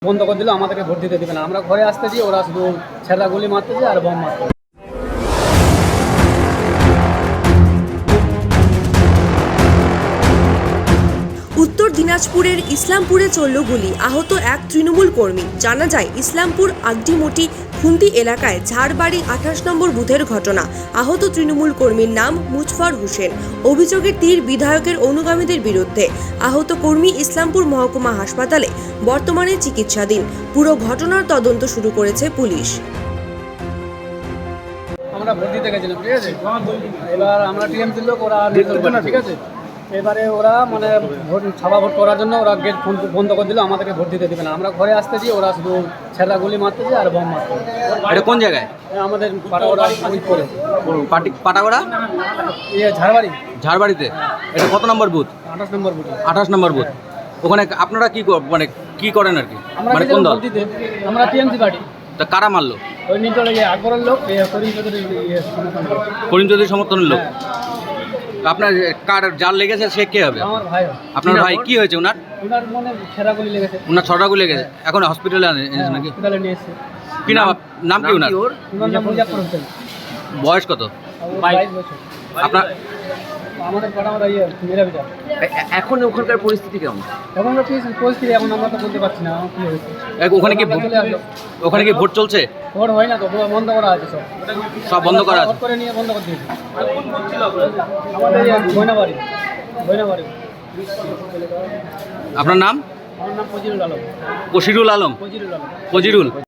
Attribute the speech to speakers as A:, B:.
A: বন্ধ করে দিল, আমাদেরকে ভোট দিতে দেবে না। আমরা ঘরে আসতেছি, ওরা শুধু ছেঁড়া গুলি মারতেছে আর বম মারতেছে।
B: উত্তর দিনাজপুরের ইসলামপুরে চলল গুলি, আহত এক তৃণমূল কর্মী। জানা যায় ইসলামপুর আগডিমোটি খুন্তি এলাকায় ঝাড়বাড়ি 28 নম্বর বুথের ঘটনা। আহত তৃণমূল কর্মীর নাম মুজফর হোসেন। অভিযোগের তীর বিধায়কের অনুগামীদের বিরুদ্ধে। আহত কর্মী ইসলামপুর মহকুমা হাসপাতালে বর্তমানে চিকিৎসাধীন। পুরো ঘটনার তদন্ত শুরু করেছে পুলিশ।
A: আমরা ভোট দিতে গেছিলাম, ঠিক আছে। এবার আমরা টিএমসির লোক, ওরা ঠিক আছে। এবারে ওরা মানে ছাপা ভোট করার জন্য ওরা গেট বন্ধ করে দিল, আমাদেরকে ভোট দিতে দেবে না। আমরা ঘরে আসতেছি, ওরা শুধু ছেঁড়া গুলি মারতেছে আর বম মারতেছে।
C: এটা কোন জায়গায়?
A: আমাদের পাটাগোড়া করে
C: পাটাগোড়া
A: ঝাড়বাড়ি।
C: ঝাড়বাড়িতে। এটা কত নম্বর বুথ?
A: 28 নম্বর বুথে।
C: 28 নম্বর বুথ। ওখানে আপনারা মানে কি করেন আর কি?
A: আমরা
C: মানে কোন দল?
A: ভোট দিতে, আমরা টিএমসি পার্টি।
C: তা কারা মারলো?
A: ওই নিচলে গিয়ে আকবরের লোক, করিম চৌধুরীর
C: করিম চৌধুরী সমর্থনের লোক। আপনার কার যার লেগেছে সে কে হবে?
A: আমার ভাই।
C: আপনার ভাই কি হয়েছে ওনার?
A: ওনার মনে ছেঁড়া গুলি লেগেছে।
C: ওনার ছটা গুলি লেগেছে, এখন হসপিটালে এনেছে নাকি?
A: হসপিটালে নিয়ে এসেছে।
C: কি নাম? নাম কি ওনার?
A: ওনার নাম মুজাফফর হোসেন।
C: বয়স কত?
A: 22 বছর।
C: আপনার
A: আমাদের পাড়া আমরা মেরা বিচার।
C: এখন ওখানকার পরিস্থিতি কেমন?
A: এখন তো পরিস্থিতি এখন আমরা তো বলতে পারছি না কি হয়েছে।
C: ওখানে কি ওখানে কি ভোট চলছে?
A: ভোট হয় না তো, বন্ধ করা আছে সব।
C: সব বন্ধ করা আছে?
A: ভোট করে নিয়ে বন্ধ করে দিয়েছে। আমাদের বইনাবাড়ি।
C: আপনার নাম?
A: আমার নাম ফজিরুল আলম।
C: কশিরুল আলম।
A: ফজিরুল আলম।
C: ফজিরুল।